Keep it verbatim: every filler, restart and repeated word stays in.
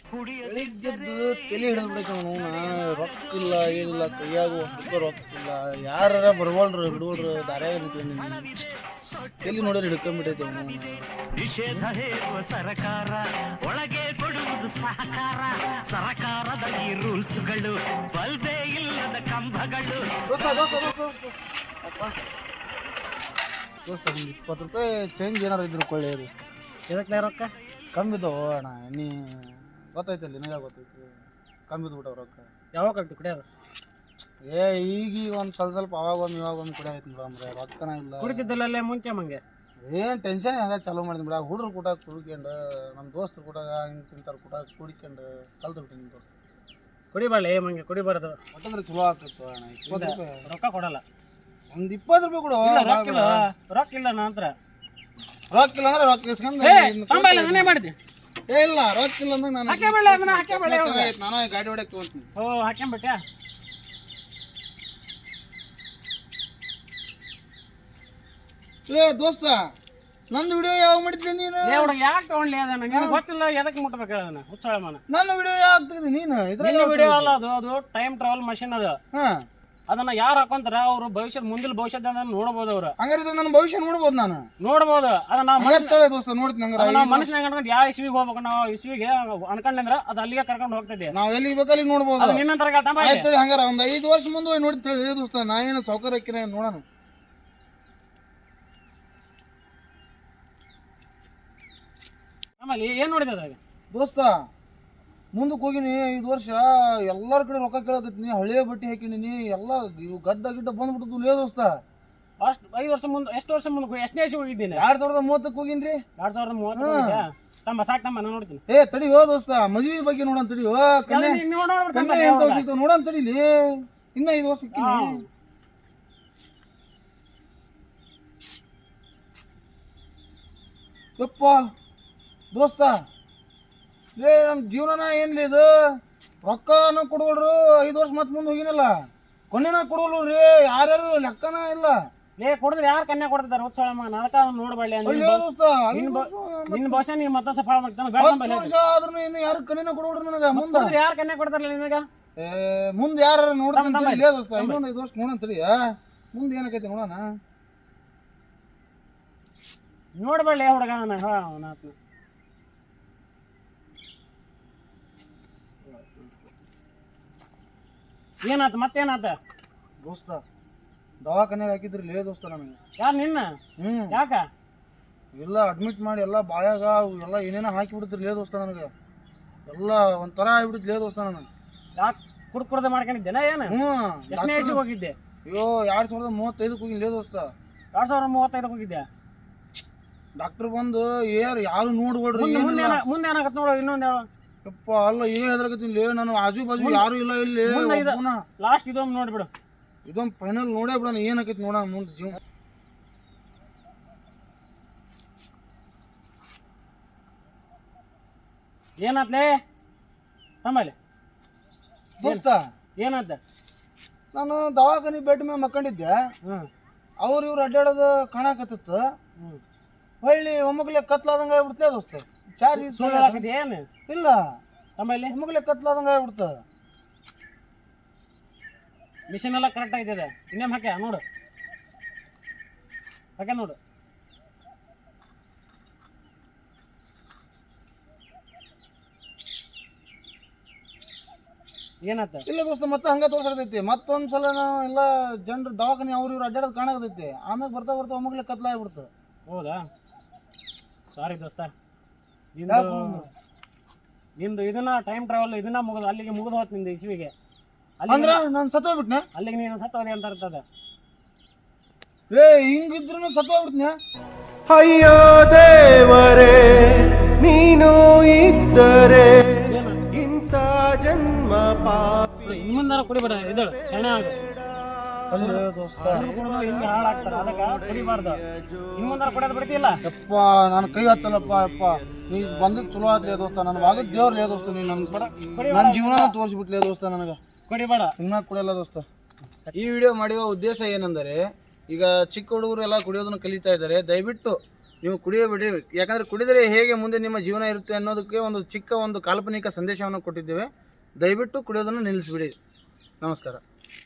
ಬೆಳಿಗ್ಗೆದ್ದು ತಲೆ ಹಿಡಿದು ಬಿಡೈತೆ ಅವನು ರೊಕ್ಕ ಇಲ್ಲ ಏನಿಲ್ಲ ಕೈಯಾಗ ಒಂದು ರೊಕ್ಕ ಇಲ್ಲ ಯಾರ ಬರ್ವಲ್ರು ಹಿಡುವಲ್ರು ದಾರ್ಯಾಗ ನಿಂತ್ಕೊಂಡು ತಲೆ ನೋಡಿದ್ರೆ ಹಿಡ್ಕೊಂಡ್ಬಿಟ್ಟೈತೆ ಅವನು ನಿಷೇಧ ಹೇರುವ ಸರಕಾರ ಒಳಗೆ ಕೊಡುವುದು ಸಹಕಾರ ಸರಕಾರದ ಈ ರೂಲ್ಸ್ಗಳು ಬಲ್ಬೇ ಇಲ್ಲದ ಕಂಬಗಳು ದೋಸ್ತ ಒಂದು ಇಪ್ಪತ್ತು ರೂಪಾಯಿ ಚೇಂಜ್ ಏನಾರು ಇದ್ರು ಕೊಳ್ಳಿ ದೋಸ್ತ ಇದಕ್ಕೆ ರೊಕ್ಕ ಕಮ್ಮಿದ್ದವು ಅಣ್ಣ ನೀ ಗೊತ್ತೈತಲ್ಲ ನಿನಗೆ ಗೊತ್ತೈತಿ ಕಮ್ಮಿದ್ದು ಬಿಟ್ಟವು ರೊಕ್ಕ ಯಾವಾಗ ಕಲ್ತು ಕುಡಿಯೋದು ಏ ಈಗೀಗ ಒಂದು ಸ್ವಲ್ಪ ಸ್ವಲ್ಪ ಅವಾಗ ಒಮ್ಮೆ ಇವಾಗ ಒಮ್ಮೆ ಕುಡಿಯೈತಿ ಬಿಡಮ್ರೆ ರೊಕ್ಕನ ಇಲ್ಲ ಕುಡಿತಿದ್ದಲ್ಲೇ ಮುಂಚೆ ಮಂಗೆ ಏನು ಟೆನ್ಷನ್ ಹಂಗೆ ಚಾಲೂ ಮಾಡಿದ್ವಿ ಬಿಡ ಹುಡುಗ್ರು ಕೂಡ ಕುಡ್ಕೊಂಡು ನಮ್ಮ ದೋಸ್ತರು ಕೂಡ ಹಿಂಗೆ ತಿಂತಾರೆ ಕೂಡ ಕುಡಿಕೊಂಡು ಕಲ್ತು ಬಿಟ್ಟು ನಿಮ್ಮ ದೋಸ್ತ ಕುಡಿಬಾಳೆ ಮಂಗೆ ಕುಡಿಬಾರ್ದು ಒಟ್ಟಂದ್ರೆ ಚಲೋ ಆಗ್ತಿತ್ತು ಅಣ್ಣ ಇಪ್ಪತ್ತು ರೂಪಾಯಿ ರೊಕ್ಕ ಕೊಡಲ್ಲ ಒಂದು ಇಪ್ಪತ್ತು ರೂಪಾಯಿ ಕೊಡು ರೊಕ್ಕ ಇಲ್ಲ ರೊಕ್ಕ ಇಲ್ಲ ನಂತರ ರೊಕ್ಕ ಇಲ್ಲ ಅಂದ್ರೆ ರೊಕ್ಕ ಇಸ್ಕೊಂಡು ನಾನೇ ಮಾಡಿದ್ದೆ ಏ ಇಲ್ಲ ರೊಕ್ಕ ಇಲ್ಲ ಅಂದ್ರೆ ನಾನು ಹಾಕ್ಯಾಬೇಳೆ ಅದನ್ನ ಹಾಕ್ಯಾಬೇಳೆ ಚೆನ್ನಾಗೈತೆ ನಾನು ಗಾಡಿ ಹೊಡಕ್ಕೆ ತೊಗೊಂತೀನಿ ಓ ಹಾಕ್ಯಾಂಬಿಟ್ಯಾ ಏ ದೋಸ್ತ ನಂದು ವಿಡಿಯೋ ಯಾವ ಮಾಡಿದ್ದೆ ನೀನು ಹುಡುಗ ಯಾಕೆ ತಗೊಂಡ್ಲಿ ಅದನ್ನ ನಿನಗೆ ಗೊತ್ತಿಲ್ಲ ಎದಕ್ಕೆ ಮುಟ್ಬೇಕು ಅದನ್ನ ಹುಚ್ಚಳ ಮನ ನನ್ನ ವಿಡಿಯೋ ಯಾವ ತೆಗೆದಿ ನೀನು ಇದ್ರಾಗ ವಿಡಿಯೋ ಅಲ್ಲ ಅದು ಅದು ಟೈಮ್ ಟ್ರಾವೆಲ್ ಮಷಿನ್ ಅದು ಹಾ ಅದನ್ನ ಯಾರು ಹಾಕೊಂತಾರ ಅವ್ರು ಭವಿಷ್ಯದ ಮುಂದಿನ ಭವಿಷ್ಯದ ನೋಡಬಹುದು ಅವ್ರು ಹಂಗಾರೆ ನನ್ನ ಭವಿಷ್ಯ ನೋಡ್ಬೋದು ನಾನು ನೋಡಬಹುದು ಅದನ್ನ ಹಂಗಾರೆ ದೋಸ್ತ ನೋಡ್ತೀನಿ ಹಂಗಾರೆ ಮನುಷ್ಯನ ಅನ್ಕೊಂಡು ಯಾವ ಇಸ್ವಿಗೆ ಹೋಗ್ಬೇಕು ನಾವು ಇಸ್ವಿಗೆ ಅನ್ಕೊಂಡ್ರೆ ಅದು ಅಲ್ಲಿಗೆ ಕರ್ಕೊಂಡು ಹೋಗ್ತದೆ ನಾವ್ ಎಲ್ಲಿ ಬೇಕಲ್ಲಿ ನೋಡ್ಬೋದು ನಿನ್ನ ತರ ಆಯ್ತು ಹಂಗಾರ ಒಂದ್ ಐದು ವರ್ಷ ಮುಂದೆ ಹೋಗಿ ನೋಡ್ತೇವೆ ದೋಸ್ತ ನಾ ಏನು ಸೌಕರ್ಯಕ್ಕೆ ನೋಡೋಣ ಆಮೇಲೆ ಏನ್ ನೋಡಿದ ಅದಾಗ ದೋಸ್ತ ಮುಂದಕ್ಕೆ ಹೋಗಿನಿ ಐದು ವರ್ಷ ಎಲ್ಲಾರ ಕಡೆ ರೊಕ್ಕ ಕೇಳಕತ್ತೀನಿ ಹಳೆ ಬಟ್ಟೆ ಹಾಕಿನಿ ಎಲ್ಲ ಇವು ಗಡ್ಡ ಗಿಡ್ಡ ಬಂದ್ಬಿಟ್ಟು ಲೇ ದೋಸ್ತ ಅಷ್ಟು ಐದು ವರ್ಷ ಮುಂದೆ ಎಷ್ಟು ವರ್ಷ ಮುಂದೆ ಎಷ್ಟನೇ ವರ್ಷ ಹೋಗಿದ್ದೀನಿ ಎರಡ್ ಸಾವಿರದ ಮೂವತ್ತಕ್ಕೆ ಹೋಗಿನ್ರಿ ಎರಡ್ ಸಾವಿರದ ಮೂವತ್ತು ತಮ್ಮ ಸಾಕ್ ತಮ್ಮ ನಾನು ನೋಡ್ತೀನಿ ಏ ತಡಿ ಹೋ ದೋಸ್ತ ಮದುವೆ ಬಗ್ಗೆ ನೋಡೋಣ ತಡಿ ಹೋ ಕನ್ಯೆ ಕನ್ಯೆ ಎಂತ ವರ್ಷ ಸಿಗ್ತಾವ ನೋಡೋಣ ತಡಿಲಿ ಇನ್ನ ಐದು ವರ್ಷ ಸಿಕ್ಕಿನಿ ಯಪ್ಪ ದೋಸ್ತ ಲೇ ನಮ್ಮ ಜೀವನನ ಏನ್ಲಿ ಇದು ರೊಕ್ಕನ ಕೊಡ್ವಲ್ರು ಐದು ವರ್ಷ ಮತ್ತೆ ಮುಂದೆ ಹೋಗಿನಲ್ಲ ಕೊನೆನ ಕೊಡೋಲ್ರು ರೀ ಯಾರ್ಯಾರು ಲೆಕ್ಕನ ಇಲ್ಲ ಲೇ ಕೊಡಿದ್ರೆ ಯಾರು ಕನ್ಯಾ ಕೊಡ್ತಿದ್ದಾರೆ ಉತ್ಸವ ನಡಕ ನೋಡ್ಬಳ್ಳಿ ನಿನ್ನ ಭಾಷೆ ನೀವು ಮತ್ತೊಂದು ಸಫಲ ಮಾಡ್ತಾನೆ ವರ್ಷ ಆದ್ರೂ ಇನ್ನು ಯಾರು ಕನ್ಯನ ಕೊಡೋಲ್ರು ನನಗ ಮುಂದೆ ಯಾರು ಕನ್ಯಾ ಕೊಡ್ತಾರಲ್ಲ ನಿನಗ ಏ ಮುಂದೆ ಯಾರು ನೋಡ್ತೀನಿ ಲೇ ದೋಸ್ತ ಇನ್ನೊಂದು ಐದು ವರ್ಷ ನೋಡೋಣ ತಡಿ ಮುಂದೆ ಏನಕೈತಿ ನೋಡೋಣ ನೋಡ್ಬಳ್ಳಿ ಹುಡುಗ ನಾನು ಏನಾತ ಮತ್ತೇನಾತ ದೋಸ್ತ ದವಾಖಾನೆಗೆ ಹಾಕಿದ್ರಿ ಲೇ ದೋಸ್ತ ನನಗೆ ಯಾರು ನಿನ್ನ ಹ್ಮ್ ಯಾಕ ಎಲ್ಲ ಅಡ್ಮಿಟ್ ಮಾಡಿ ಎಲ್ಲ ಬಾಯಾಗ ಎಲ್ಲ ಏನೇನೋ ಹಾಕಿ ಬಿಡ್ತಿರ್ ಲೇ ದೋಸ್ತ ನನಗೆ ಎಲ್ಲ ಒಂಥರ ಆಗ್ಬಿಡುತ್ತೆ ಲೇ ದೋಸ್ತ ನನಗೆ ಯಾಕೆ ಕುಡ್ ಕುಡ್ದ ಮಾಡ್ಕೊಂಡಿದ್ದೇನ ಏನು ಹ್ಮ್ ಎಷ್ಟನೇ ವಯಸ್ಸಿಗೆ ಹೋಗಿದ್ದೆ ಅಯ್ಯೋ ಎರಡ್ ಸಾವಿರದ ಮೂವತ್ತೈದಕ್ಕೆ ಹೋಗಿ ಲೇ ದೋಸ್ತ ಎರಡ್ ಸಾವಿರದ ಮೂವತ್ತೈದಕ್ಕೆ ಹೋಗಿದ್ದೆ ಡಾಕ್ಟರ್ ಬಂದು ಏರ್ ಯಾರು ನೋಡ್ಬೇಡ್ರಿ ಮುಂದೆ ಏನಾಗತ್ತೆ ನೋಡು ಇನ್ನೊಂದು ಹೇಳು ಯಪ್ಪ ಅಲ್ಲ ಏನ್ ಹೆದರ್ಕತ್ತೀನಿ ಲೇ ನಾನು ಆಜು ಬಾಜು ಯಾರು ಇಲ್ಲ ಇಲ್ಲಿ ಲಾಸ್ಟ್ ಇದೊಂದು ನೋಡ್ಬಿಡು ಇದೊಂದು ಫೈನಲ್ ನೋಡೇ ಬಿಡೋಣ ಏನಾಕೈತಿ ನೋಡೋಣ ಮುಂದೆ ಜೀವ ಏನಾತ್ಲೇ ತಮ್ಮಲ್ಲಿ ದೋಸ್ತ ಏನಾದ ನಾನು ದವಾಖಾನೆ ಬೆಡ್ ಮೇಲೆ ಮಕ್ಕೊಂಡಿದ್ದೆ ಹ್ಮ್ ಅವ್ರು ಇವ್ರು ಅಡ್ಡಾಡೋದು ಕಾಣಕತ್ತಿತ್ತು ಹ್ಮ್ ಹೊಳ್ಳಿ ಒಮ್ಮಗ್ಲೆ ಕತ್ಲಾದಂಗ ಆಗ್ಬಿಡ್ತೇ ದೋಸ್ತ ಚಾರ್ಜ್ ಏನು ಇಲ್ಲ ತಮ್ಮಲ್ಲಿ ಒಮ್ಮಗ್ಲೆ ಕತ್ಲಾದಂಗ ಆಗ್ಬಿಡ್ತ ಮಿಷಿನ್ ಎಲ್ಲ ಕರೆಕ್ಟ್ ಆಗಿದೆ ಇನ್ನೇಮ್ ಹಾಕ್ಯ ನೋಡು ಹಾಕ್ಯ ನೋಡು ಏನಾತ ಇಲ್ಲ ದೋಸ್ತ ಮತ್ತೆ ಹಂಗ ತೋರ್ಸಕತೈತಿ ಮತ್ತೊಂದ್ಸಲ ನಾವು ಎಲ್ಲ ಜನರು ದವಾಖಾನೆ ಅವ್ರು ಇವ್ರು ಅಡ್ಡಾಡೋದು ಕಾಣಕತೈತಿ ಆಮ್ಯಾಗ ಬರ್ತಾ ಬರ್ತಾ ಒಮ್ಮಗ್ಲೆ ಕತ್ಲ ಆಗ್ಬಿಡ್ತ ಹೌದಾ ಸಾರಿ ದೋಸ್ತ ನಿಂದು ನಿಂದು ಇದನ್ನ ಟೈಮ್ ಟ್ರಾವೆಲ್ ಇದನ್ನ ಮುಗಿದು ಅಲ್ಲಿಗೆ ಮುಗಿದು ಹೋತ್ ನಿಂದು ಇಸ್ವಿಗೆ ಅಂದ್ರ ನಾನು ಸತ್ತೋಗ್ಬಿಟ್ನ ಅಲ್ಲಿಗೆ ನೀನು ಸತ್ತೋದೆ ಅಂತ ಇರ್ತದ ಏ ಹಿಂಗಿದ್ರು ಸತ್ತೋಗ್ಬಿಟ್ನ ಅಯ್ಯೋ ದೇವರೇ ನೀನು ಇದ್ದರೆ ಇಂಥ ಜನ್ಮ ಪಾಪಿ ಇನ್ನೊಂದರ ಕುಡಿಬೇಡ ಇದಳು ಶರಣ ಆಗ ದೋಸ್ತ ಹಿಂಗೆ ಹಾಳಾಗ್ತಾರ ಅದಕ್ಕೆ ಕುಡಿಬಾರ್ದು ಇನ್ನೊಂದರ ಕುಡಿಯೋದು ಬಿಡ್ತಿಲ್ಲ ಯಪ್ಪ ನಾನು ಕೈ ಹಚ್ಚಲ್ಲಪ್ಪ ಯಪ್ಪ ನೀ ಬಂದದ್ದು ಚಲೋ ಆತ್ಲೇ ದೋಸ್ತ ನನ್ ಭಾಗದ ದೇವ್ರಲೇ ದೋಸ್ತ ನೀ ನನ್ ನನ್ನ ಜೀವನ ತೋರಿಸ್ಬಿಟ್ಲೇ ದೋಸ್ತ ನನಗ ಕುಡಿಬೇಡ ಇನ್ನ ಕುಡಿಯಲ್ಲ ದೋಸ್ತ ಈ ವಿಡಿಯೋ ಮಾಡುವ ಉದ್ದೇಶ ಏನೆಂದರೆ ಈಗ ಚಿಕ್ಕ ಹುಡುಗರು ಎಲ್ಲ ಕುಡಿಯೋದನ್ನ ಕಲಿತಾ ಇದ್ದಾರೆ ದಯವಿಟ್ಟು ನೀವು ಕುಡಿಯಬೇಡಿ. ಯಾಕಂದರೆ ಕುಡಿದರೆ ಹೇಗೆ ಮುಂದೆ ನಿಮ್ಮ ಜೀವನ ಇರುತ್ತೆ ಅನ್ನೋದಕ್ಕೆ ಒಂದು ಚಿಕ್ಕ ಒಂದು ಕಾಲ್ಪನಿಕ ಸಂದೇಶವನ್ನು ಕೊಟ್ಟಿದ್ದೇವೆ. ದಯವಿಟ್ಟು ಕುಡಿಯೋದನ್ನು ನಿಲ್ಲಿಸಿಬಿಡಿ. ನಮಸ್ಕಾರ.